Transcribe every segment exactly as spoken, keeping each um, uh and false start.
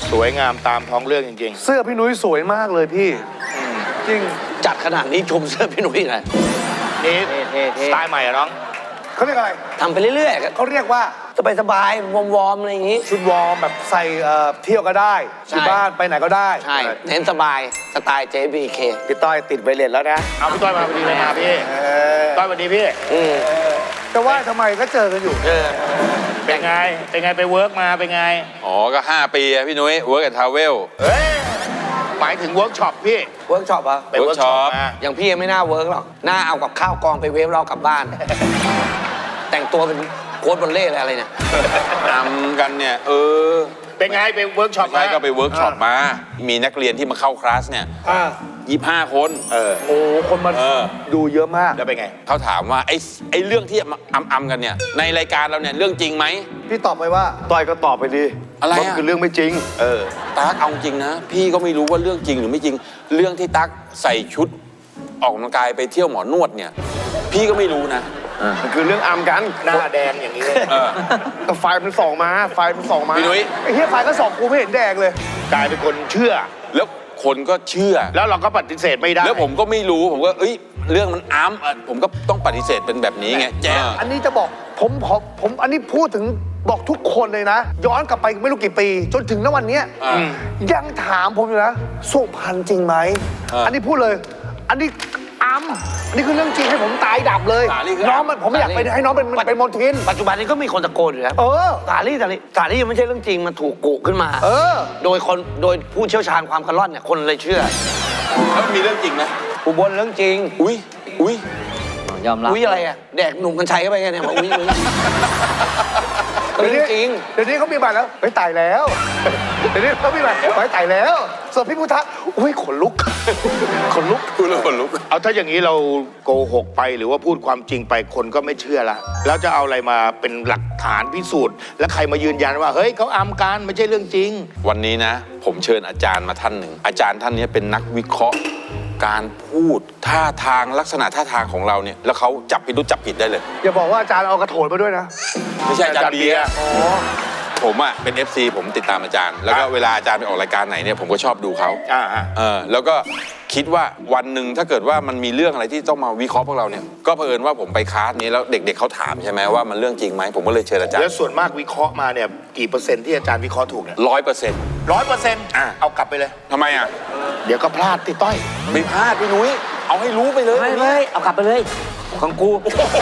สวยงามตามท้องเรื่องจริงๆเสื้อพี่นุ้ยสวยมากเลยพี่จริงจัดขนาดนี้ชมเสื้อพี่นุ้ยไงนี่สไตล์ใหม่อะน้องเขาเรียกอะไรทำไปเรื่อยๆเขาเรียกว่าสบายๆวอร์มๆอะไรอย่างงี้ชุดวอร์มแบบใส่เที่ยวก็ได้ที่บ้านไปไหนก็ได้ใช่เน้นสบายสไตล์ เจ บี เคพี่ต้อยติดไวเลสแล้วนะเอาพี่ต้อยมาพอดีเลยมาพี่ต้อยสวัสดีพี่แต่ว่าทำไมก็เจอกันอยู่เป็นไงเป็นไงไปเวิร์กมาเป็นไงอ๋อก็ห้าปีอะพี่นุ้ยเวิร์กกับทาวเวลเฮ้ยหมายถึงเวิร์กช็อปพี่เวิร์กช็อปอะไปเวิร์กช็อปอย่างพี่ยังไม่น่าเวิร์กหรอกน่าเอากับข้าวกองไปเวฟเรากลับบ้านแต่งตัวเป็นโค้ชบอลเล่อะไรเนี่ยทำกันเนี่ยเออเป็นไงไปเวิร์กช็อปมาก็ไปเวิร์กช็อปมามีนักเรียนที่มาเข้าคลาสเนี่ยยี่ห้าคนเออโอ้คนมาดูเยอะมากแล้วเป็นไงเขาถามว่าไอ้ไอ้เรื่องที่อัมอัมกันเนี่ยในรายการเราเนี่ยเรื่องจริงไหมพี่ตอบไปว่าต้อยก็ตอบไปดีอะไรมันคือเรื่องไม่จริงเออตั๊กเอาจริงนะพี่ก็ไม่รู้ว่าเรื่องจริงหรือไม่จริงเรื่องที่ตั๊กใส่ชุดออกกำลังกายไปเที่ยวหมอนวดเนี่ยพี่ก็ไม่รู้นะมันคือเรื่องอัมกันหน้าแดงอย่างนี้แต่ไฟมันส่องมาไฟมันส่องมาพี่นุ้ยไอ้เหี้ยไฟก็ส่องกูไม่เห็นแดงเลยกลายเป็นคนเชื่อแล้วคนก็เชื่อแล้วเราก็ปฏิเสธไม่ได้แล้วผมก็ไม่รู้ผมก็เอ้ยเรื่องมันอัมผมก็ต้องปฏิเสธเป็นแบบนี้ไงแจ้งอันนี้จะบอกผมผมผมอันนี้พูดถึงบอกทุกคนเลยนะย้อนกลับไปไม่รู้กี่ปีจนถึงณวันนี้ยังถามผมอยู่นะสุพรรณจริงไหมอันนี้พูดเลยอันนี้อัมนี่คือเรื่องจริงให้ผมตายดับเลยน้องมันผมไม่อยากไปให้น้องเป็นเป็นมนทินปัจจุบันนี้ก็มีคนตะโกนอยู่แล้วเออสาลี่สาลี่สาลี่มันไม่ใช่เรื่องจริงมันถูกกุขึ้นมาเออโดยคนโดยผู้เชี่ยวชาญความกระล่อนเนี่ยคนเลยเชื่อแล้วมีเรื่องจริงไหมอุบลเรื่องจริงอุ้ยอุ้ยยอมรับอุ้ยอะไรอะแดกหนุ่มกัญชัยเข้าไปไงเนี่ยบอกอุ้ยอุ้ยเรื่องจริงเดี๋ยวนี้เขามีบัตรแล้วไปตายแล้วเดี๋ยวนี้เขามีบัตรไปตายแล้วส่วนพี่พุทธะอุ้ยขนลุกขนลุกพูดแล้วขนลุกเอาถ้าอย่างนี้เราโกหกไปหรือว่าพูดความจริงไปคนก็ไม่เชื่อละแล้วจะเอาอะไรมาเป็นหลักฐานพิสูจน์แล้วใครมายืนยันว่าเฮ้ยเขาอัมกันไม่ใช่เรื่องจริงวันนี้นะผมเชิญอาจารย์มาท่านหนึ่งอาจารย์ท่านนี้เป็นนักวิเคราะห์การพูดท่าทางลักษณะท่าทางของเราเนี่ยแล้วเขาจับผิดรู้จับผิดได้เลยอย่าบอกว่าอาจารย์เอากระโถนมาด้วยนะไม่ใช่อาจารย์เบียร์ผมอ่ะเป็น เอฟ ซี ผมติดตามอาจารย์แล้วก็เวลาอาจารย์ไปออกรายการไหนเนี่ยผมก็ชอบดูเขาเออแล้วก็คิดว่าวันหนึ่งถ้าเกิดว่ามันมีเรื่องอะไรที่ต้องมาวิเคราะห์พวกเราเนี่ยก็เผอิญว่าผมไปคลาสนี้แล้วเด็กๆเขาถามใช่ไหมว่ามันเรื่องจริงไหมผมก็เลยเชิญอาจารย์แล้วส่วนมากวิเคราะห์มาเนี่ยกี่เปอร์เซ็นต์ที่อาจารย์วิเคราะห์ถูกเนี่ยร้อยเปอร์เซ็นต์ร้อยเปอร์เซ็นต์อ่ะเอากลับไปเลยทำไมอ่ะเดี๋ยวก็พลาดติต้อยไม่พลาดพี่นุ้ยเอาให้รู้ไปเลยไม่เลยเอากลับไปเลยของกู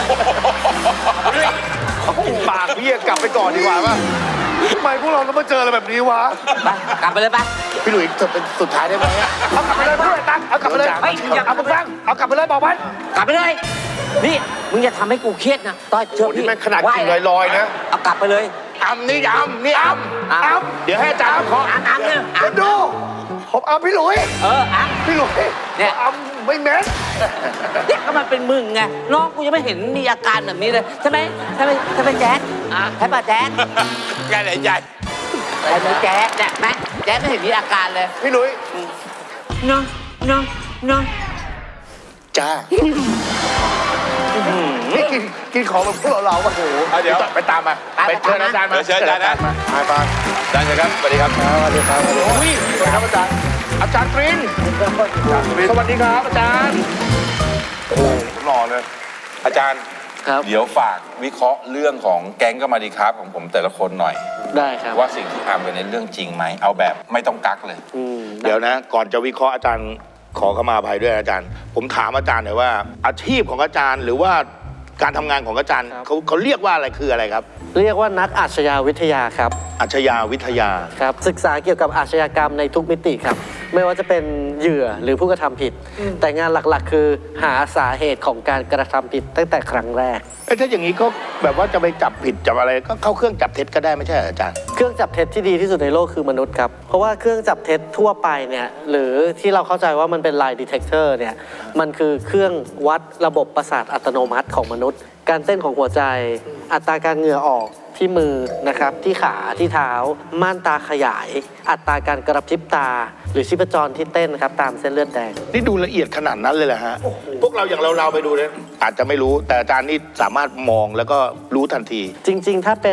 เขาปิดปากพี่กลับไปก่อนดีกว่าป่ะทำไมพวกเราต้องมาเจออะไรแบบนี้วะไปกลับไปเลยไปพี่หลุยเธอเป็นสุดท้ายได้ไหมเอากลับไปเลยเพื่อนตั้งเอากลับไปเลยเอาไปฟังเอากลับไปเลยบอกมันกลับไปเลยนี่มึงอย่าทำให้กูเครียดนะต้อยเชื่อพี่นี่มันขนาดกิ่งลอยๆนะเอากลับไปเลยอัมนี่อัมนี่อัมอัมเดี๋ยวให้อาจารย์ขออัมอัมเนี่ยอัมดูผมอัมพี่หลุยเอออัมพี่หลุยเนี่ยอัมไม่แม้เนี่ยก็มันเป็นมึงไงน้องกูยังไม่เห็นมีอาการแบบนี้เลยใช่ไหมใช่ไหมใช่ไหมแจ๊ดใช่ป่ะแจ๊ดแกไหนใหญ่ไอ้แจ๊ดเนี่ยแม่แจ๊ดไม่เห็นมีอาการเลยพี่หลุยน้องน้องน้องจ้านี่กินกินของแบบพวกเราโอ้โหเดี๋ยวไปตามมาไปเชิญอาจารย์มาเชิญอาจารย์มาไปไปอาจารย์ครับสวัสดีครับสวัสดีครับโอ้ยสวัสดีครับอาจารย์อาจารย์กรีนสวัสดีครับอาจารย์โอ้หล่อเลยอาจารย์เดี๋ยวฝากวิเคราะห์เรื่องของแก๊งก็มาดีครับของผมแต่ละคนหน่อยได้ครับว่าสิ่งที่ทำเป็นในเรื่องจริงไหมเอาแบบไม่ต้องกักเลยเดี๋ยวนะก่อนจะวิเคราะห์อาจารย์ขอเข้ามาอภัยด้วยอาจารย์ผมถามอาจารย์หน่อยว่าอาชีพของอาจารย์หรือว่าการทำงานของอาจารย์เขาเขาเรียกว่าอะไรคืออะไรครับเรียกว่านักอาชญาวิทยาครับอาชญาวิทยาครับศึกษาเกี่ยวกับอาชญากรรมในทุกมิติครับไม่ว่าจะเป็นเหยื่อหรือผู้กระทำผิดแต่งานหลักๆคือหาสาเหตุของการกระทำผิดตั้งแต่ครั้งแรกเอ้ถ้าอย่างนี้ก็แบบว่าจะไปจับผิดจับอะไรก็เข้าเครื่องจับเท็จก็ได้ไม่ใช่อาจารย์เครื่องจับเท็จที่ดีที่สุดในโลกคือมนุษย์ครับเพราะว่าเครื่องจับเท็จทั่วไปเนี่ยหรือที่เราเข้าใจว่ามันเป็น lie detector เนี่ยมันคือเครื่องวัดระบบประสาทอัตโนมัติของมนุษย์การเต้นของหัวใจอัตราการเหงื่อออกที่มือนะครับที่ขาที่เท้าม่านตาขยายอัตราการกระพริบตาหรือชีพจรที่เต้นครับตามเส้นเลือดแดงนี่ดูละเอียดขนาดนั้นเลยเหรอฮะพวกเราอย่างเราเราไปดูเนี่ยอาจจะไม่รู้แต่อาจารย์นี่สามารถมองแล้วก็รู้ทันทีจริงๆถ้าเป็น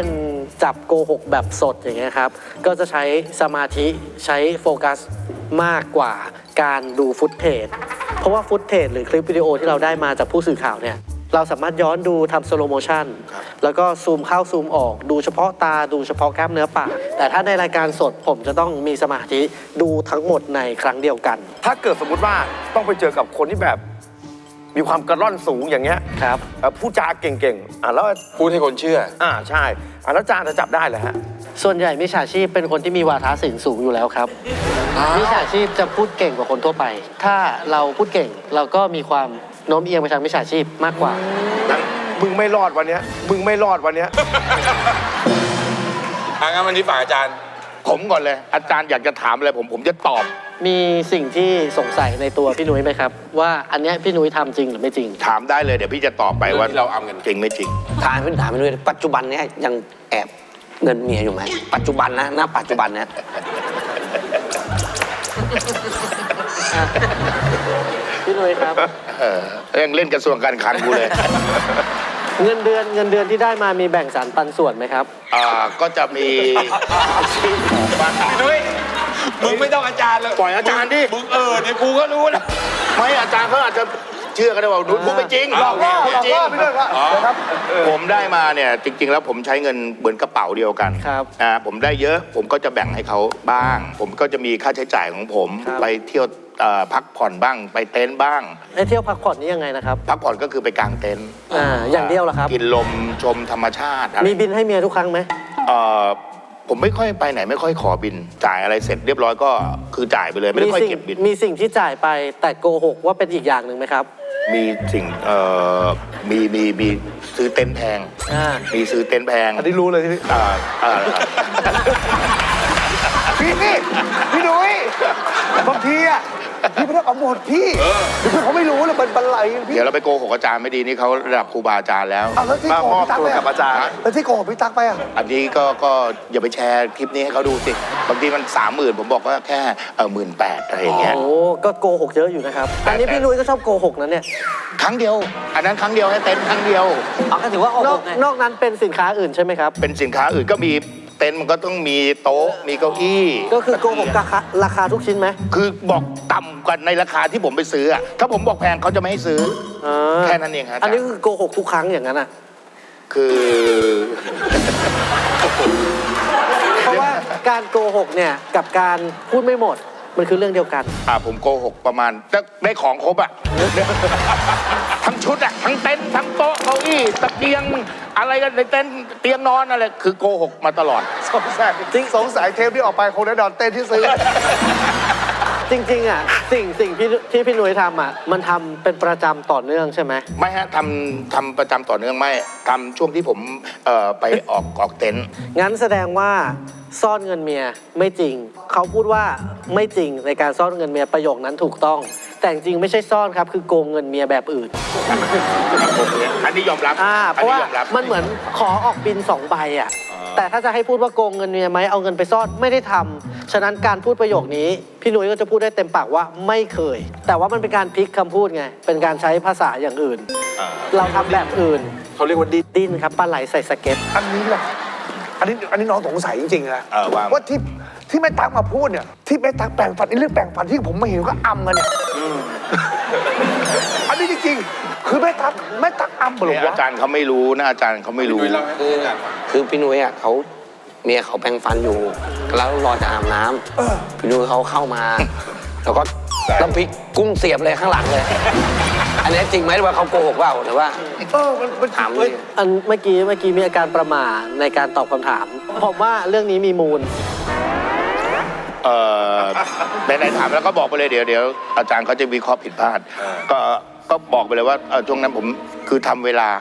จับโกหกแบบสดอย่างเงี้ยครับก็จะใช้สมาธิใช้โฟกัสมากกว่าการดูฟุตเทจเพราะว่าฟุตเทจหรือคลิปวิดีโอที่เราได้มาจากผู้สื่อข่าวเนี่ยเราสามารถย้อนดูทำสโลโมชันแล้วก็ซูมเข้าซูมออกดูเฉพาะตาดูเฉพาะกล้ามเนื้อปากแต่ถ้าในรายการสดผมจะต้องมีสมาธิดูทั้งหมดในครั้งเดียวกันถ้าเกิดสมมุติว่าต้องไปเจอกับคนที่แบบมีความกระร่อนสูงอย่างเงี้ยครับเอ่อพูดจาเก่งๆอ่ะแล้วพูดให้คนเชื่ออ่าใช่อ่ะแล้วอาจารย์จะจับได้เหรอฮะส่วนใหญ่มิจฉาชีพเป็นคนที่มีวาทศิลป์สูงอยู่แล้วครับมิจฉาชีพจะพูดเก่งกว่าคนทั่วไป ถ้าเราพูดเก่งเราก็มีความโน้มเอียงไปทางมิจฉาชีพมากกว่ามึงไม่รอดวันเนี้ยมึงไม่รอดวันเนี้ยอ่ะงั้นวันนี้ฝากอาจารย์ผมก่อนเลย อาจารย์อยากจะถามอะไรผมผมจะตอบมีสิ่งที่สงสัยในตัวพี่นุ้ยไหมครับ ว่าอันเนี้ยพี่นุ้ยทำจริงหรือไม่จริงถามได้เลยเดี๋ยวพี่จะตอบไปว่าเรื่องที่เราอำกันจริงไม่จริงถามพี่ถามพี่นุ้ยปัจจุบันเนี้ยยังแอบเงินเมียอยู่ไหมปัจจุบันนะณปัจจุบันเนี้ยพี่นุ้ยครับเออยังเล่นกระทรวงการคลังกูเลยเงินเดือนเงินเดือนที่ได้มามีแบ่งสรรปันส่วนไหมครับอ่าก็จะมีซื้อของบ้างนุ้ยมึงไม่ต้องอาจารย์เลยปล่อยอาจารย์ดิมึงเออเดี๋ยวกูก็รู้นะไม่อาจารย์เขาอาจจะเชื่อกันได้ว่าหนูพูดไม่จริงหลอกล่อหลอกล่อไปด้วยว่านะครับผมได้มาเนี่ยจริง ๆ แล้วผมใช้เงินเหมือนกระเป๋าเดียวกันครับอ่าผมได้เยอะผมก็จะแบ่งให้เขาบ้าง ผมก็จะมีค่าใช้จ่ายของผมครับไปเที่ยวเอ่อพักผ่อนบ้างไปเต็นท์บ้างไอ้เที่ยวพักผ่อนนี่ยังไงนะครับพักผ่อนก็คือไปกางเต็นท์อ่าอย่างเดียวเหรอครับกินลมชมธรรมชาติอะไรมีบินให้เมียทุกครั้งไหมเอ่อผมไม่ค่อยไปไหนไม่ค่อยขอบิน จ่ายอะไรเสร็จเรียบร้อยก็คือจ่ายไปเลยไม่ได้ค่อยสิ่งเก็บบินมีสิ่งที่จ่ายไปแต่โกหกว่าเป็นอีกอย่างหนึ่งไหมครับมีสิ่งเอ่อมีมีมีซื้อเต็นท์แพงอ่ามีซื้อเต็นท์แพงอันนี้รู้เลยที่อ่าอ่าพี่พี่พี่นุ้ยบางทีอ่ะพี่ไม่ต้องเอาหมดพี่คือเขาไม่รู้เลยมันบันไลพี่เดี๋ยวเราไปโกหกอาจารย์ไม่ดีนี่เขาระดับครูบาอาจารย์แล้วเอาแล้วที่มาโกมหอบกพี่ตั๊กตัวไปกับอาจารย์แล้วที่โกหกพี่ตั๊กไปอ่ะอันนี้ก็ก็อย่าไปแชร์คลิปนี้ให้เขาดูสิบางทีมันสามหมื่นผมบอกว่าแค่เออหมื่นแปดอะไรอย่างเงี้ยโอ้ก็โกหกเยอะอยู่นะครับ อันนี้พี่นุ้ยก็ชอบโกหกนะเนี่ยครั้งเดียว อันนั้นครั้งเดียวให้เต็นท์ครั้งเดียวเอาก็ถือว่าโอ้นโหอกไงนอกนั้นเป็นสินค้าอื่นใช่ไหมครับเป็นสินค้าอื่นก็มีเต็นท์มันก็ต้องมีโต๊ะมีเก้าอี้ก็คือโกหกราคาราคาทุกชิ้นไหมคือบอกต่ำกว่าในราคาที่ผมไปซื้ออะถ้าผมบอกแพงเขาจะไม่ให้ซื้ออ่าแค่นั้นเองครับอันนี้คือโกหกทุกครั้งอย่างนั้นอ่ะคือเพราะว่าการโกหกเนี่ยกับการพูดไม่หมดมันคือเรื่องเดียวกันอ่าผมโกหกประมาณได้ได้ของครบอะ ทั้งชุดอะทั้งเต็นท์ทั้งโต๊ะเก้าอี้ตะเกียงอะไรกันในเต็นท์เตียงนอนอะไรคือโกหกมาตลอดสงสัยจริงสงสัยเทปที่ออกไปคงได้นอนเต้นที่ซื้อจริงๆอ่ะสิ่งสิ่งที่ที่พี่นุ้ยทำอ่ะมันทำเป็นประจำต่อเนื่องใช่ไหมไม่ฮะทำทำประจำต่อเนื่องไม่ทำช่วงที่ผมเอ่อไปออกออกเต็นท์งั้นแสดงว่าซ่อนเงินเมียไม่จริง เขาพูดว่าไม่จริงในการซ่อนเงินเมียประโยคนั้นถูกต้อง แต่จริงๆไม่ใช่ซ่อนครับคือโกงเงินเมียแบบอื่นอันนี้ยอมรับอ่าเพอันราะนี้ว่ายอมรับมันเหมือนขอออกบินสองใบอ่ะแต่ถ้าจะให้พูดว่าโกงเงินเมียไหมเอาเงินไปซ่อนไม่ได้ทำฉะนั้นการพูดประโยคนี้พี่นุ้ยก็จะพูดได้เต็มปากว่าไม่เคย แต่ว่ามันเป็นการพลิกคำพูดไงเป็นการใช้ภาษาอย่างอื่น เราทำแบบอื่นเขาเรียกว่าดิดิ้นครับปลาไหลใส่สเก็ตอันนี้แหละอันนี้อันนี้น้องสงสัยจริงๆนะเออว่าว่าที่ที่แม่ตั๊กมาพูดเนี่ยที่แม่ตั๊กแปลงฟันไอ้เรื่องแปลงฟันที่ผมมาเห็นก็อำกันเนี่ยอันนี้จริงๆคือแม่ตั๊กแม่ตั๊กอำเหรเนี่อย วะอาจารย์เขาไม่รู้นะอาจารย์เขาไม่รู้คือคือพี่นุ้ยอ่ะเขาเมียเขาแปรงฟันอยู่ แล้วรอจะอาบน้ำพี่นุ้ยเขาเข้ามา แล้วก็น้ำพริกกุ้งเสียบเลยข้างหลังเลย อันนี้จริงไหมว่าเขาโกหกเปล่าหรือว่าเออมันมันถามเลยอันเมื่อกี้เมื่อกี้มีอาการประหม่าในการตอบคำถาม ผมว่าเรื่องนี้มีมูลเอ่อไหนๆถามแล้วก็บอกไปเลยเดี๋ยวเดี๋ยวอาจารย์เขาจะวิเคราะห์ผิดพลาด ก็ก็บอกไปเลยว่าเอ่อช่วงนั้นผมคือทำเวลา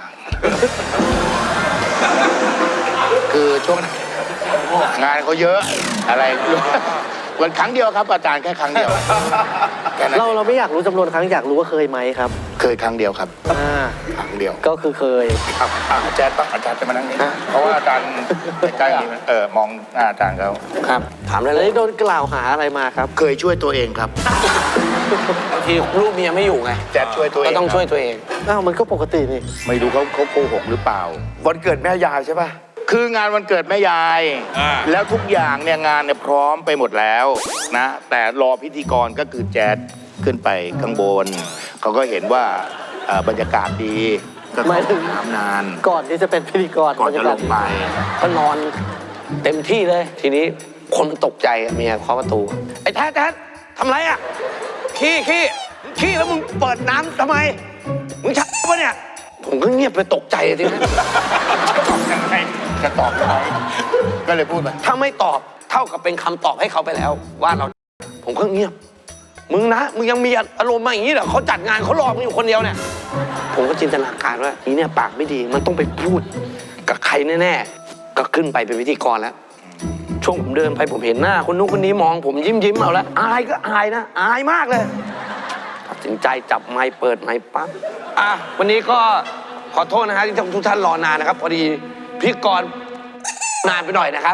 คือช่วงนั้นงานเขาเยอะอะไรวันครั้งเดียวครับ อาจารย์แค่ครั้งเดียวแค่นั้นเราเราไม่อยากรู้จำนวนครั้งอยากรู้ว่าเคยไหมครับเคยครั้งเดียวครับอ่าครั้งเดียวก็คือเคยครับอ่ะอาจารย์ต้องอาจารย์จะมานั่งนี่เพราะว่าอาจารย์ใกล้ๆนี่เออมองหน้าอาจารย์เขาครับ ถามได้แล้เลวย โดนกล่าวหาอะไรมาครับเคยช่วยตัวเองครับบางทีลูกเมียไม่อยู่ไงแจ๊ดช่วยตัวเองก็ต้องช่วยตัวเองอ้าวมันก็ปกตินี่ไม่รู้เขาเขาโกหกหรือเปล่าวันเกิดแม่ยายใช่ป่ะคืองานวันเกิดแม่ยายอ่าแล้วทุกอย่างเนี่ยงานเนี่ยพร้อมไปหมดแล้วนะ แต่รอพิธีกรก็คือแจ๊ดขึ้นไปข้างบน เขาก็เห็นว่าเอ่อบรรยากาศดีก็หมายถึเข้าง น้ำนานก่อนที่จะเป็นพิธีกรก่อนจะลงไปก็นอนเต็มที่เลย ทีนี้คนมันตกใจอะเมียเคาะประตู ไอ้แท้แท้ทำไรอ่ะ ขี้ขี้ขี้แล้วมึงเปิดน้ำทำไม มึงชักปะเนี่ย ผมก็เงียบไปตกใจทีนั้นตอบยังไงจะตอบยังไงก็เลยพูดไปถ้าไม่ตอบเท่ากับเป็นคำตอบให้เขาไปแล้ว ว่าเรา ผมก็เงียบ มึงนะ มึงยังมีอารมณ์มาอย่างนี้เหรอเขาจัดงานเขารอมึงอยู่คนเดียวเนี่ย ผมก็จินตนาการว่าทีเนี่ยปากไม่ดีมันต้องไปพูดกับใครแน่ๆ ก็ขึ้นไปเป็นพิธีกรแล้ว ช่วงผมเดินไปผมเห็นหน้าคนนู้นคนนี้มองผมยิ้มยิ้มเอาแล้วอายก็อายนะ อายมากเลยตัดสินใจจับไมค์เปิดไมค์ปั๊บอ่ะวันนี้ก็ขอโทษนะฮะที่ทุกท่านรอนานนะครับ พอดีพิธีกรนานไปหน่อยนะครับ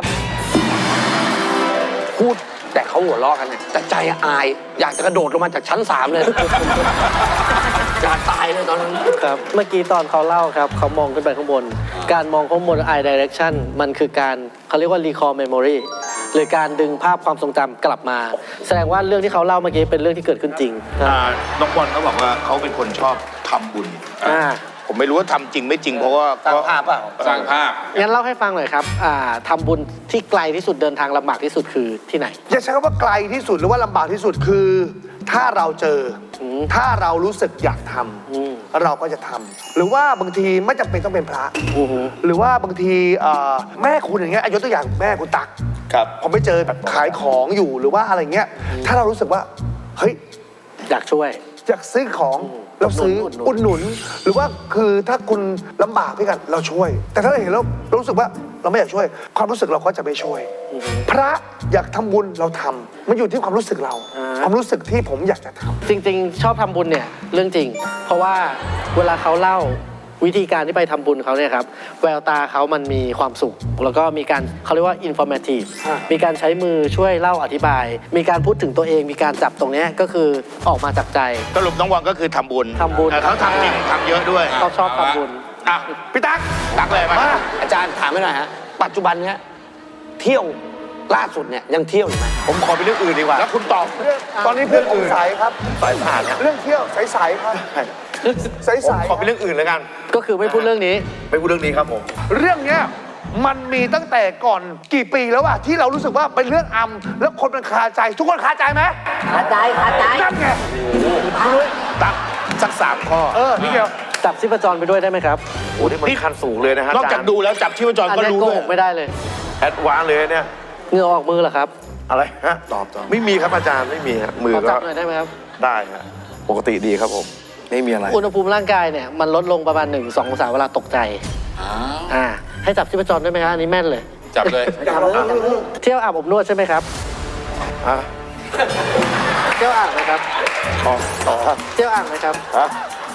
พูดแต่เขาหัวเราะกันเนี่ยแต่ใจอาย อยากจะกระโดดลงมาจากชั้นสามเลย อยากตายเลยตอนนั้นครับเมื่อกี้ตอนเขาเล่าครับเขามองขึ้นไปข้างบน การมองข้างบน eye direction มันคือการเขาเรียกว่า recall memory หรือการดึงภาพความทรงจำกลับมา แสดงว่าเรื่องที่เขาเล่าเมื่อกี้เป็นเรื่องที่เกิดขึ้นจริงครับอ่าน้องบอลเขาบอกว่าเขาเป็นคนชอบทำบุญอ่าผมไม่รู้ว่าทำจริงไม่จริงเพราะว่าสร้างภาพเปล่าสร้างภาพงั้นเล่าให้ฟังหน่อยครับอ่าทำบุญที่ไกลที่สุดเดินทางลำบากที่สุดคือที่ไหนอย่าใช้คำว่าไกลที่สุดหรือว่าลำบากที่สุดคือ ถ้าเราเจออมถ้าเรารู้สึกอยากทอืมำเราก็จะทำหรือว่าบางทีไม่จำเป็นต้องเป็นพระอือหือหรือว่าบางทีเอ่อแม่คุณอย่างเงี้ยยกตัวอย่างแม่คุณตักครับพอไปเจอแบบขายของอยู่หรือว่าอะไรเงี้ยถ้าเรารู้สึกว่าเฮ้ยอยากช่วยอยากซื้อของเราซื้ออุอุดดหหนุนุนน หรือว่าคือถ้าคุณลำบากพี่กันเราช่วย แต่ถ้าเราเห็นแล้วเรารู้สึกว่าเราไม่อยากช่วย ความรู้สึกเราก็จะไม่ช่วย พระอยากทำบุญเราทำมันอยู่ที่ความรู้สึกเรา ความรู้สึกที่ผมอยากจะทำจริงๆ ชอบทำบุญเนี่ยเรื่องจริง เพราะว่าเวลาเขาเล่าวิธีการที่ไปทำบุญเขาเนี่ยครับแววตาเขามันมีความสุข แล้วก็มีการเขาเรียกว่า informative อ่ามีการใช้มือช่วยเล่าอธิบาย มีการพูดถึงตัวเอง มีการจับตรงเนี้ยก็คือออกมาจากใจสรุปน้องบอลก็คือทำบุญทำบุญเออเขาทำจริงทำเยอะด้วยเขาชอบทำบุญอ่ะพี่ตั๊กตักเลยมาอาจารย์ถามไม่หน่อยฮะ ปัจจุบันเนี้ยเที่ยวล่าสุดเนี่ยยังเที่ยวอยู่ไหมผมขอเป็นเรื่องอื่นดีกว่าแล้วคุณตอบตอนนี้เพื่อนผมใสครับสายผ่านนะเรื่องเที่ยวใสๆครับใผมสขอเป็นเรื่องอื่นแล้วกันก็คือไม่พูดเรื่องนี้ไม่พูดเรื่องนี้ครับผมๆเรื่องเนี้ยมันมีตั้งแต่ก่อนกี่ปีแล้วอะที่เรารู้สึกว่าเป็นเรื่องอำแล้วคนมันคาใจ ทุกคนคาใจไหมคาใจคาใจนั่นไงตักสักสามข้อเออนี่เดียวจับชีพจรไปด้วยได้ไหมครับโอ้นี่มันขั้นสูงเลยนะฮะนอกจากดูแล้วจับชีพจรอันก็นี้รู้โกด้วยหกไม่ได้เลยแอดวานซ์เลยเนี่ยเหงื่อออกมือเหรอครับอะไรฮะตอบตอบไม่มีครับอาจารย์ไม่มีฮะมือขอก็จับหน่อยได้ไหมครับได้ฮะปกติดีครับผม ไม่มีอะไรอุณหภูมิร่างกายเนี่ยมันลดลงประมาณหนึ่งสององศาเวลาตกใจ อ่า ให้จับชีพจรได้ไหมครับอันนี้แม่นเลยจับเลยเที่ยวอาบอบนวดใช่ไหมครับฮะเที่ยวอ่างไหมครับอ๋ออ๋อเที่ยวอ่างไหมครับฮะ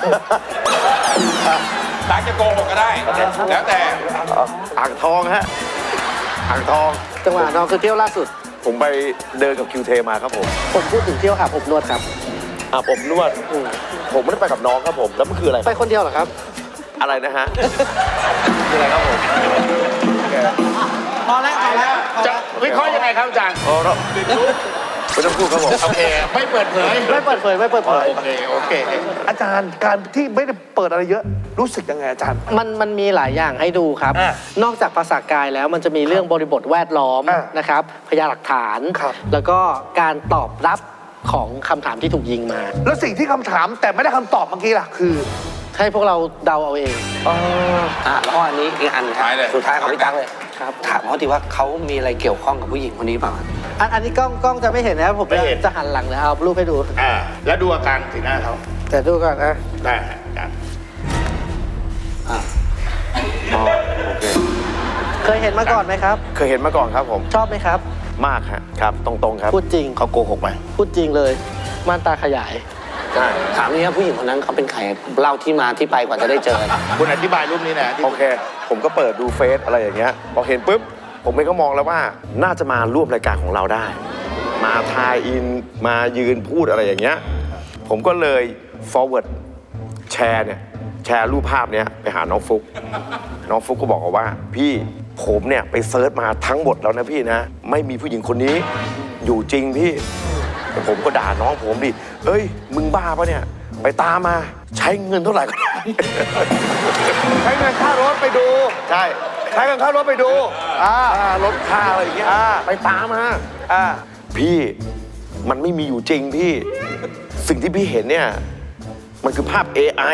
ตักจะโกหกก็ได้ แล้วแต่อ่างทองฮะ อ่างทองจังหวะน้องคือเที่ยวล่าสุดผมไปเดินกับคิวเทมาครับผมผมพูดถึงเที่ยวอาบอบนวดครับอาบอบนวดอืมผมไม่ได้ไปกับน้องครับผม แล้วมันคืออะไรไปคนเดียวเหรอครับอะไรนะฮะ คืออะไรครับผมพอแล้วพอแล้วจะวิเคราะห์ยังไงครับอาจารย์อ๋อเนอะไม่ต้องพูดครับผมโอเค ไม่เปิดเผยไม่เปิดเผยไม่เปิดเผยโอเค โอเคอาจารย์การที่ไม่ได้เปิดอะไรเยอะ รู้สึกยังไงอาจารย์มันมันมีหลายอย่างให้ดูครับอ่ะนอกจากภาษากายแล้วมันจะมีเรื่องบริบทแวดล้อมอ่ะนะครับ พยานหลักฐานครับแล้วก็การตอบรับของคำถามที่ถูกยิงมาแล้วสิ่งที่คำถามแต่ไม่ได้คำตอบเมื่อกี้ล่ะคือให้พวกเราเดาเอาเองอ่ะแล้วก็อันนี้อีกอันครัท้ายเลยสุดท้ายของพี่ตั๊กเลยครับถามเขาทีว่าเขามีอะไรเกี่ยวข้องกับผู้หญิงคนนี้เปล่าอันอันนี้กล้องกล้องจะไม่เห็นนะครับผมไม่เห็นจะหันหลังนะเอารูปให้ดูอ่า แล้วดูอาการสีหน้าเขาแต่ดูก่อนนะได้ฮะอาจารย์อ๋อโอเคเคยเห็นมาก่อนไหมครับเคยเห็นมาก่อนครับผมชอบไหมครับมากฮะ ครับ ตรงๆครับพูดจริงเขาโกหกไหมพูดจริงเลยม่านตาขยายใช่ถามนี่ว่าผู้หญิงคนนั้นเขาเป็นใครเล่าที่มาที่ไปกว่าจะได้เจอคุณอธิบายรูปนี้หนะที่โอเค ผมก็เปิดดูเฟซอะไรอย่างเงี้ย พอเห็นปุ๊บ ผมเองก็มองแล้วว่า น่าจะมาร่วมรายการของเราได้ มาทายอิน มายืนพูดอะไรอย่างเงี้ย ผมก็เลย forward แชร์เนี่ย แชร์รูปภาพเนี้ยไปหาน้องฟุก น้องฟุกก็บอกว่า พี่ผมเนี่ยไปเซิร์ชมาทั้งหมดแล้วนะพี่นะ ไม่มีผู้หญิงคนนี้อยู่จริงพี่แต่ผมก็ด่าน้องผมดิเอ้ยมึงบ้าปะเนี่ยไปตามมาใช้เงินเท่าไหร่ก็ได้ใช้เงินค่ารถไปดูใช่ใช้เงินค่ารถไปดูอ่าค่ารถค่าอะไรอย่างเงี้ยอ่าไปตามมาอ่าพี่มันไม่มีอยู่จริงพี่ สิ่งที่พี่เห็นเนี่ยมันคือภาพ เอ ไอ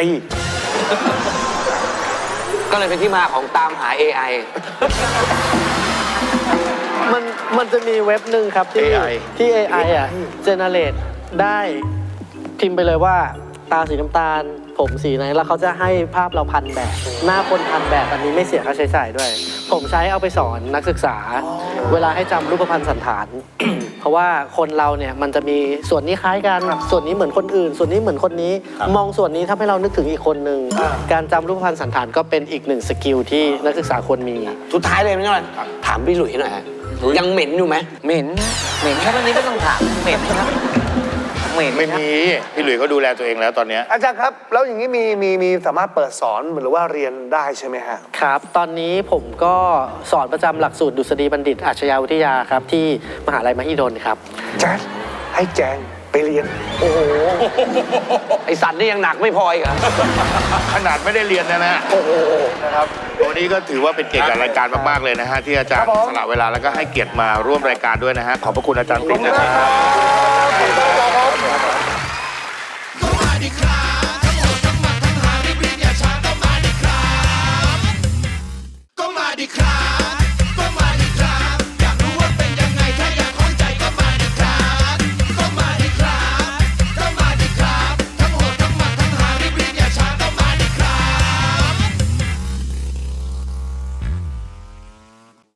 ก็เลยเป็นที่มาของตามหา เอ ไอมันมันจะมีเว็บหนึ่งครับที่เอ ไอที่ เอ ไอ อ่ะเจเนเรตได้พิมพ์ไปเลยว่าตาสีน้ำตาล ผมสีไหนแล้วเขาจะให้ภาพเราพันแบบ หน้าคนพันแบบอันนี้ไม่เสียค่าใช้จ่ายด้วย ผมใช้เอาไปสอนนักศึกษา เวลาให้จำรูปพรรณสันฐาน เพราะว่าคนเราเนี่ยมันจะมีส่วนนี้คล้ายกันส่วนนี้เหมือนคนอื่น ส่วนนี้เหมือนคนนี้ มองส่วนนี้ทำให้เรานึกถึงอีกคนนึงการจำรูปพรรณสันฐานก็เป็นอีกหนึ่งสกิลที่นักศึกษาควรมีสุดท้ายเลยไม่ใช่ไหมถามพี่หลุยหน่อยฮะยังเหม็นอยู่ไหมเหม็น เหม็นแค่วันนี้ก็ต้องถาม เหม็นครับ เหม็นไม่ครับมีพี่หลุยส์เขาดูแลตัวเองแล้วตอนเนี้ยอาจารย์ครับ แล้วอย่างนี้มีมีมีสามารถเปิดสอนหรือว่าเรียนได้ใช่ไหมฮะครับ ตอนนี้ผมก็สอนประจำหลักสูตรดุษฎีบัณฑิตอาชญาวิทยาครับที่มหาลัยมหิดลครับแจ๊ดให้แจงไปเรียนโอ้โห ไอสัตว์นี่ยังหนักไม่พออีกเหรอขนาดไม่ได้เรียนนะนะโอ้โหนะครับวันนี้ก็ถือว่าเป็นเกียรติกับรายการมากๆเลยนะฮะที่อาจารครัย์บผมสละเวลาแล้วก็ให้เกียรติมาร่วมรายการด้วยนะฮะขอบพระคุณอาจารย์ขอบติ๊กคุณนะคมารักบครับขอบคุณครับ